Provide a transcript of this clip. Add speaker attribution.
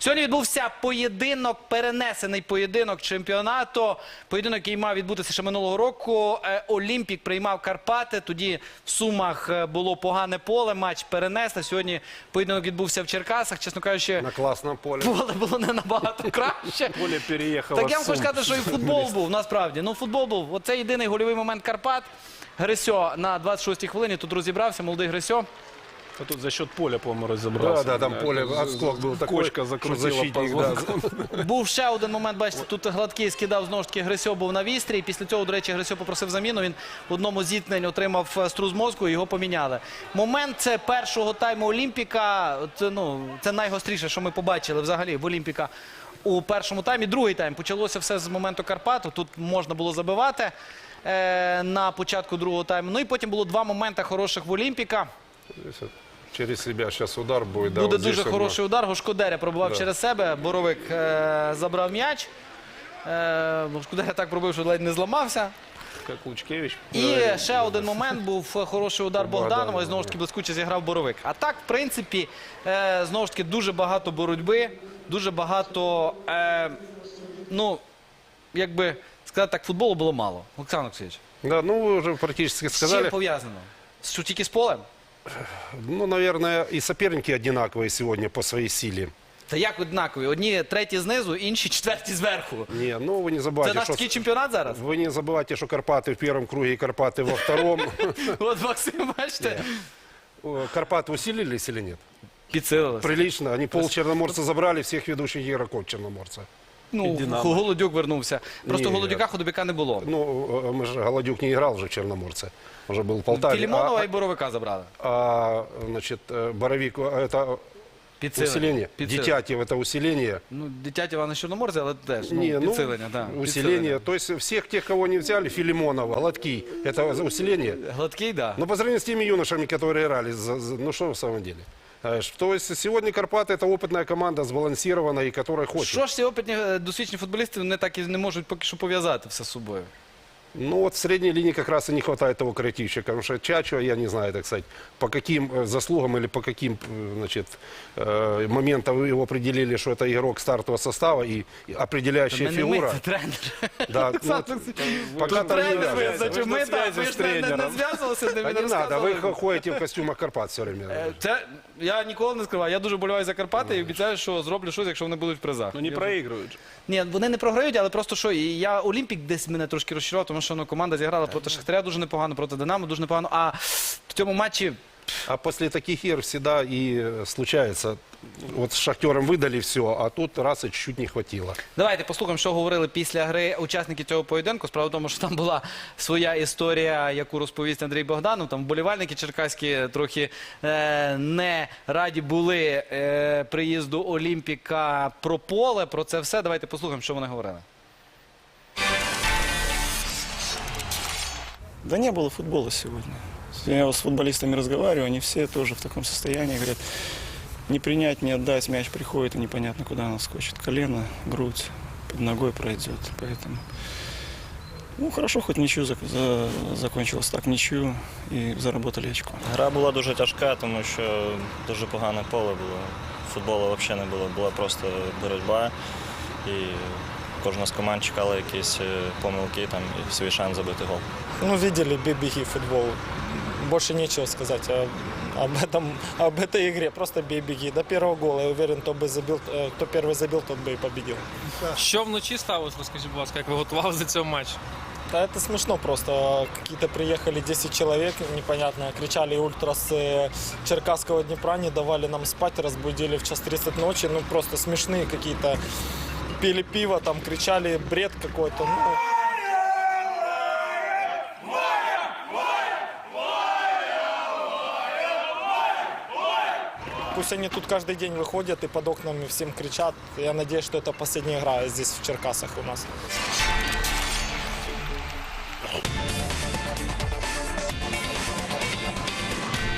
Speaker 1: Сьогодні відбувся поєдинок, перенесений поєдинок чемпіонату. Поєдинок, який мав відбутися ще минулого року. Олімпік приймав Карпати. Тоді в Сумах було погане поле, матч перенесли. Сьогодні поєдинок відбувся в Черкасах. Чесно кажучи,
Speaker 2: на класному полі.
Speaker 1: Поле було не набагато краще.
Speaker 2: Поле переїхало.
Speaker 1: Так я вам хочу сказати, що і футбол був, насправді. Ну, футбол був. Оце єдиний гольовий момент Карпат. Грисьо на 26-й хвилині тут розібрався, молодий Грисьо.
Speaker 3: А тут за счет поля, по-моему, разобрался.
Speaker 2: Да, там поле, отскок был такой,
Speaker 3: кочка закрутила позвонком.
Speaker 1: Був ще один момент, бачите, тут Гладкий скидав, знову ж таки, Грисьо був на вістрі. Після цього, до речі, Грисьо попросив заміну. Він в одному з зіткнень отримав струс мозку, його поміняли. Момент це першого тайму Олімпіка. Це найгостріше, що ми побачили взагалі в Олімпіка у першому таймі. Другий тайм. Почалося все з моменту Карпату. Тут можна було забивати на початку другого тайму. Ну і потім було два моменти хороших в Олімпіка.
Speaker 2: Через себя сейчас удар будет.
Speaker 1: Буде дуже хороший удар. Гошкодеря пробував через себе. Боровик забрав м'яч. Гошкодеря так пробив, що ледь не зламався.
Speaker 3: Как Лучкевич.
Speaker 1: І ще один момент був хороший удар Богданова. І знову ж таки блискуче зіграв Боровик. А так, в принципі, знову ж таки, дуже багато боротьби. Дуже багато, як би сказати так, футболу було мало. Олександр Олексійович.
Speaker 2: Да, ну вы уже практически
Speaker 1: З
Speaker 2: сказали.
Speaker 1: чим пов'язано? Що тільки з полем?
Speaker 2: Ну, наверное, и соперники одинаковые сегодня по своей силе.
Speaker 1: Та як однакові? Одні треті знизу, інші четверті зверху.
Speaker 2: Не, ну вы не
Speaker 1: Це
Speaker 2: забывайте,
Speaker 1: наш
Speaker 2: что...
Speaker 1: такий чемпіонат зараз?
Speaker 2: Вы не забывайте, что Карпаты в первом круге и Карпаты во втором.
Speaker 1: От Максим, бачите?
Speaker 2: Карпаты усилились или нет?
Speaker 1: Підсилилися.
Speaker 2: Прилично. Они пол Черноморца забрали, всех ведущих игроков Черноморца.
Speaker 1: Ну, Голодюк вернувся. Просто
Speaker 2: Ні.
Speaker 1: Голодюка, Худобяка не було.
Speaker 2: Ну, мы же, Голодюк не играл уже в Черноморце. Уже был в Полтаве.
Speaker 1: Філімонова і Боровика забрали.
Speaker 2: Значит, Боровик, это усиление. Дитятев, это усиление.
Speaker 1: Ну, Дитятєв на Чорноморці, але теж
Speaker 2: Не,
Speaker 1: підсилення. Да,
Speaker 2: усиление. То есть всех тех, кого не взяли, Филимонов, Гладкий, это усиление.
Speaker 1: Гладкий, да.
Speaker 2: Но по сравнению с теми юношами, которые играли, ну что в самом деле? То есть сегодня Карпаты это опытная команда, сбалансированная и которая хочет.
Speaker 1: Що ж ці опитні досвідчені футболісти вони так і не можуть поки що пов'язати все з собою?
Speaker 2: Ну вот в средней линии как раз и не хватает того креативщика, потому что Чачо, я не знаю, так сказать, по каким заслугам или по каким, значит, моментам его определили, что это игрок стартового состава и определяющая фигура.
Speaker 1: Це тренер.
Speaker 2: Да, пока там не
Speaker 1: Тренер
Speaker 2: надо.
Speaker 1: визначив, ми так, ви ж не зв'язувалися,
Speaker 2: Да
Speaker 1: не
Speaker 2: не надо, вы
Speaker 1: розказували.
Speaker 2: ходите в костюмах Карпат все время.
Speaker 1: Я ніколи не скриваю, я дуже болюваю за Карпати і обіцяю, що зроблю щось, якщо вони будуть в призах.
Speaker 3: Ну не проигрывают же.
Speaker 1: Ні, вони не програють, але просто що, я Олімпік десь мене трошки розчарував, тому що команда зіграла проти Шахтаря дуже непогано, проти Динамо дуже непогано, а в цьому матчі...
Speaker 2: А после таких игр всегда и случается. Вот с Шахтером выдали все, а тут раз и чуть-чуть не хватило.
Speaker 1: Давайте послухаємо, що говорили після гри учасники цього поєдинку. Справа в тому, що там була своя історія, яку розповість Андрій Богданов. Там вболівальники черкаські трохи не раді були приїзду Олімпіка про поле, про це все. Давайте послухаємо, що вони говорили.
Speaker 4: Да не было футбола сегодня. Я с футболистами разговариваю, они все тоже в таком состоянии. Говорят, не принять, не отдать, мяч приходит, и непонятно, куда она скочит. Колено, грудь, под ногой пройдет. Поэтому, ну, хорошо, хоть ничью закончилось так, ничью, і заработали очко.
Speaker 5: Гра була дуже тяжка, тому що дуже погане поле було. Футболу взагалі не було, була просто боротьба. І кожна з команд чекала якісь помилки там, і свій шанс забити гол.
Speaker 6: Ну, видели, бей-беги футбол. Больше нечего сказать об этой игре. Просто бей-беги. До первого гола, я уверен, кто первый забил, тот бы и победил.
Speaker 7: Що вночі сталося, розкажіть, будь ласка, як ви готувалися до цього матчу?
Speaker 6: Да, это смешно просто. Какие-то приехали 10 человек, непонятно, кричали ультрасы Черкасского Днепра, не давали нам спать, разбудили в 1:30 ночи. Ну, просто смешные какие-то. Пили пиво, там кричали, бред какой-то. Ну. Пусть они тут каждый день выходят и под окнами всем кричат. Я надеюсь, что это последняя игра здесь, в Черкасах у нас.